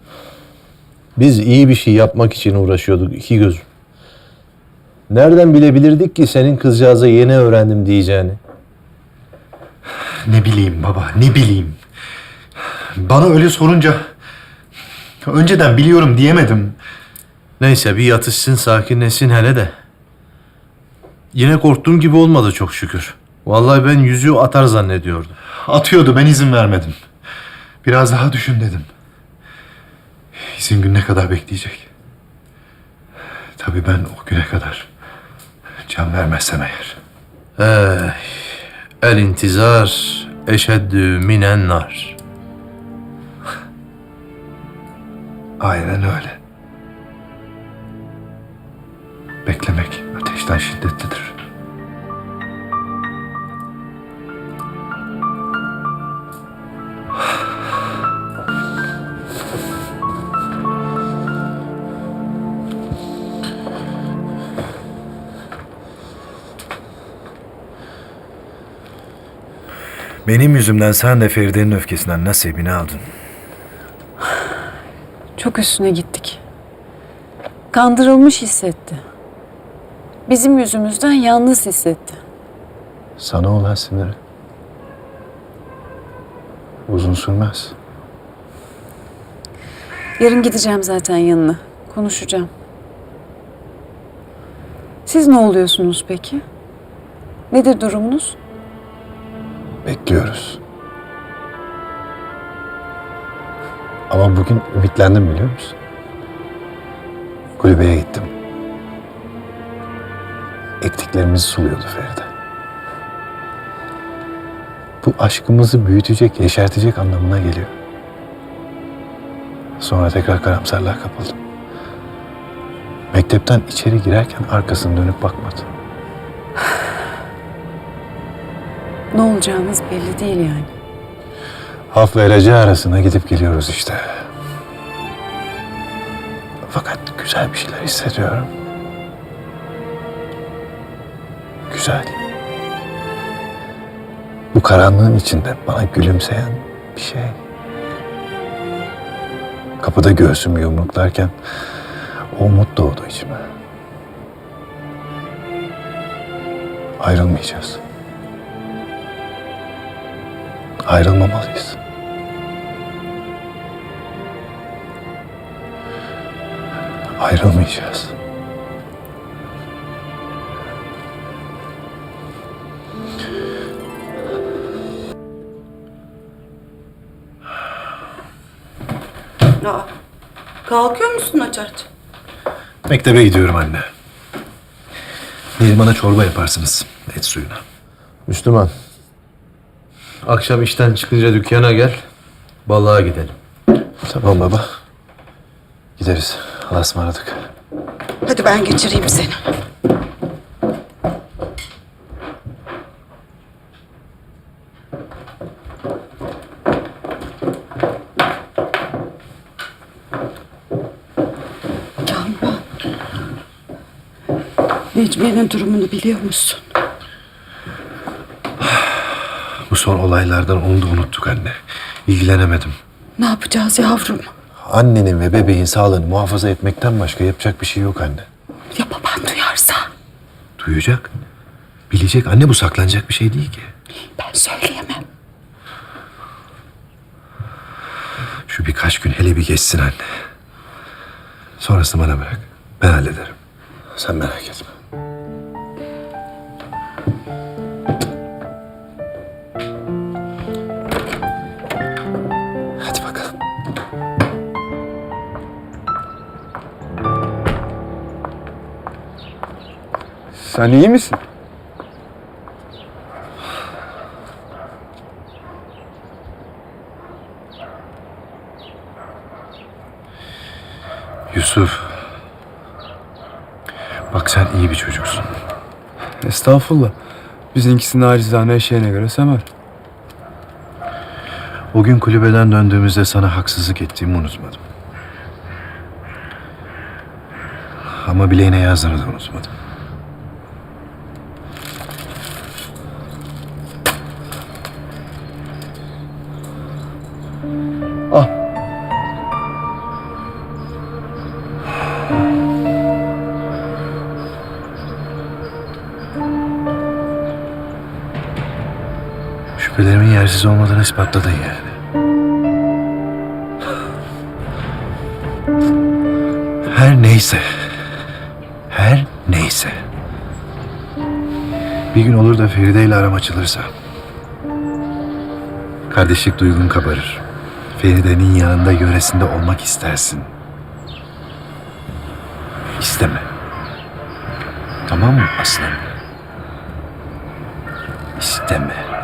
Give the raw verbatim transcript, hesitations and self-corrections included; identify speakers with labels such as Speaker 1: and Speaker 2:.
Speaker 1: Biz iyi bir şey yapmak için uğraşıyorduk iki gözüm. Nereden bilebilirdik ki senin kızcağıza yeni öğrendim diyeceğini?
Speaker 2: Ne bileyim baba, ne bileyim. Bana öyle sorunca önceden biliyorum diyemedim.
Speaker 1: Neyse bir yatışsın, sakinleşsin hele de. Yine korktuğum gibi olmadı çok şükür. Vallahi ben yüzüğü atar zannediyordum.
Speaker 2: Atıyordu, ben izin vermedim. Biraz daha düşün dedim. İzin gününe kadar bekleyecek. Tabii ben o güne kadar can vermezsem eğer.
Speaker 1: Eh, el intizar eşeddü minen nar.
Speaker 2: Aynen öyle. Beklemek ateşten şiddetlidir. Benim yüzümden sen de Feride'nin öfkesinden nasibini aldın.
Speaker 3: Çok üstüne gittik. Kandırılmış hissetti. Bizim yüzümüzden yalnız hissetti.
Speaker 2: Sana olan siniri uzun sürmez.
Speaker 3: Yarın gideceğim zaten yanına. Konuşacağım. Siz ne oluyorsunuz peki? Nedir durumunuz?
Speaker 2: Bekliyoruz. Ama bugün ümitlendim biliyor musun? Kulübeye gittim. Ektiklerimizi suluyordu Feride. Bu aşkımızı büyütecek, yeşertecek anlamına geliyor. Sonra tekrar karamsarlığa kapıldım. Mektepten içeri girerken arkasını dönüp bakmadı.
Speaker 3: Ne olacağınız belli değil yani.
Speaker 2: Haf ve Rece arasına gidip geliyoruz işte. Fakat güzel bir şeyler hissediyorum. Güzel. Bu karanlığın içinde bana gülümseyen bir şey. Kapıda göğsümü yumruklarken o umut doğdu içime. Ayrılmayacağız. Ayrılmamalıyız. Ayrılmayacağız.
Speaker 4: Aa, kalkıyor musun aç aç?
Speaker 2: Mektebe gidiyorum anne. Neriman'a çorba yaparsınız et suyuna.
Speaker 1: Müslüman. Akşam işten çıkınca dükkana gel. Balığa gidelim.
Speaker 2: Tamam baba. Gideriz. Allah'a ısmarladık.
Speaker 4: Hadi ben geçireyim seni. Kamran. Necmiye'nin durumunu biliyor musun?
Speaker 2: Bu son olaylardan onu da unuttuk anne. İlgilenemedim.
Speaker 4: Ne yapacağız yavrum?
Speaker 2: Annenin ve bebeğin sağlığını muhafaza etmekten başka yapacak bir şey yok anne.
Speaker 4: Ya baban duyarsa?
Speaker 2: Duyacak. Bilecek. Anne bu saklanacak bir şey değil ki.
Speaker 4: Ben söyleyemem.
Speaker 2: Şu birkaç gün hele bir geçsin anne. Sonrasını bana bırak. Ben hallederim. Sen merak etme. Hadi bakalım.
Speaker 5: Sen iyi misin?
Speaker 2: Yusuf. Bak sen iyi bir çocuksun.
Speaker 5: Estağfurullah. Bizimkisi nacizane eşeğine göre semer.
Speaker 2: O gün kulübeden döndüğümüzde sana haksızlık ettiğimi unutmadım. Ama bileğine yazdığını da unutmadım.
Speaker 5: Al.
Speaker 1: değersiz olmadığını ispatladın yani. Her neyse. Her neyse. Bir gün olur da Feride ile aram açılırsa. Kardeşlik duygun kabarır. Feride'nin yanında, yöresinde olmak istersin. İsteme. Tamam mı aslanım? İsteme.